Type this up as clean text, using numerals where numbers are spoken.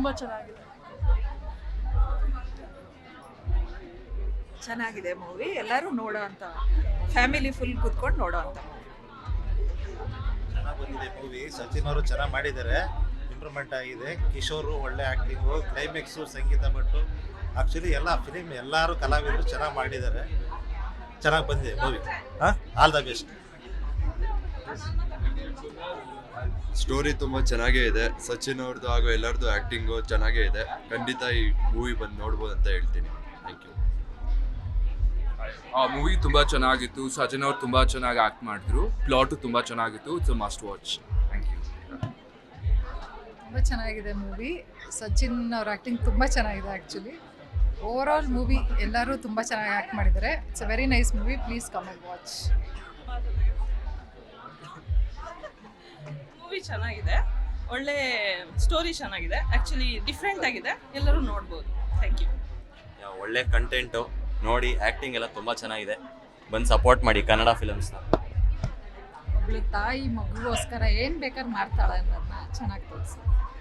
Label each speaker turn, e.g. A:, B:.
A: ತುಂಬ ಚೆನ್ನಾಗಿದೆ.
B: ಚೆನ್ನಾಗಿದೆ ಮೂವಿ, ಎಲ್ಲರೂ ನೋಡೋ ಅಂತ, ಫ್ಯಾಮಿಲಿ ಫುಲ್ ಕೂತ್ಕೊಂಡು ನೋಡೋ ಅಂತ.
C: ಚೆನ್ನಾಗಿ ಬಂದಿದೆ ಮೂವಿ. ಸಚಿನ್ ಅವರು ಚೆನ್ನಾಗಿ ಮಾಡಿದ್ದಾರೆ, ಇಂಪ್ರೂವ್ಮೆಂಟ್ ಆಗಿದೆ. ಕಿಶೋರ್ ಒಳ್ಳೆ acting, climax, Sangeetha Bhat, actually ಎಲ್ಲ ಫಿಲಿಮ್ ಎಲ್ಲರೂ ಕಲಾವಿದರು ಚೆನ್ನಾಗಿ ಮಾಡಿದ್ದಾರೆ. ಚೆನ್ನಾಗಿ ಬಂದಿದೆ movie. All the best.
D: Story ತುಂಬ ಚೆನ್ನಾಗೇ ಇದೆ. ಸಚಿನ್ ಅವ್ರದ್ದು ಹಾಗೂ ಎಲ್ಲರದ್ದು ಆ್ಯಕ್ಟಿಂಗು ಚೆನ್ನಾಗೇ ಇದೆ. ಖಂಡಿತ ಈ ಮೂವಿ ಬಂದು ನೋಡ್ಬೋದು ಅಂತ ಹೇಳ್ತೀನಿ. Thank you.
E: ಆ ಮೂವಿ ತುಂಬ ಚೆನ್ನಾಗಿತ್ತು. ಸಚಿನ್ ಅವ್ರು ತುಂಬ ಚೆನ್ನಾಗಿ ಆ್ಯಕ್ಟ್ ಮಾಡಿದ್ರು. ಪ್ಲಾಟು ತುಂಬ ಚೆನ್ನಾಗಿತ್ತು. It's a must watch. Thank you.
F: ತುಂಬ ಚೆನ್ನಾಗಿದೆ ಮೂವಿ. ಸಚಿನ್ ಅವ್ರ ಆ್ಯಕ್ಟಿಂಗ್ ತುಂಬ ಚೆನ್ನಾಗಿದೆ. ಆ್ಯಕ್ಚುಲಿ ಓವರ್ ಆಲ್ ಮೂವಿ ಎಲ್ಲರೂ ತುಂಬ ಚೆನ್ನಾಗಿ ಆ್ಯಕ್ಟ್ ಮಾಡಿದ್ದಾರೆ. It's a very nice movie. Please come and watch.
G: Movie ಚೆನ್ನಾಗಿದೆ, ಒಳ್ಳೆ ಸ್ಟೋರಿ ಚೆನ್ನಾಗಿದೆ, ಆ್ಯಕ್ಚುಲಿ ಡಿಫ್ರೆಂಟ್ ಆಗಿದೆ, ಎಲ್ಲರೂ ನೋಡ್ಬೋದು. Thank you.
H: ಒಳ್ಳೆ ಕಂಟೆಂಟು ನೋಡಿ, ಆ್ಯಕ್ಟಿಂಗ್ ಎಲ್ಲ ತುಂಬ ಚೆನ್ನಾಗಿದೆ. ಬಂದು ಸಪೋರ್ಟ್ ಮಾಡಿ ಕನ್ನಡ ಫಿಲಮ್ಸ್ನ.
F: ಒಬ್ಳು ತಾಯಿ ಮಗುಗೋಸ್ಕರ ಏನು ಬೇಕಾದ್ರೂ ಮಾಡ್ತಾಳೆ ಅನ್ನೋದನ್ನ ಚೆನ್ನಾಗಿ ತೋರಿಸಿ.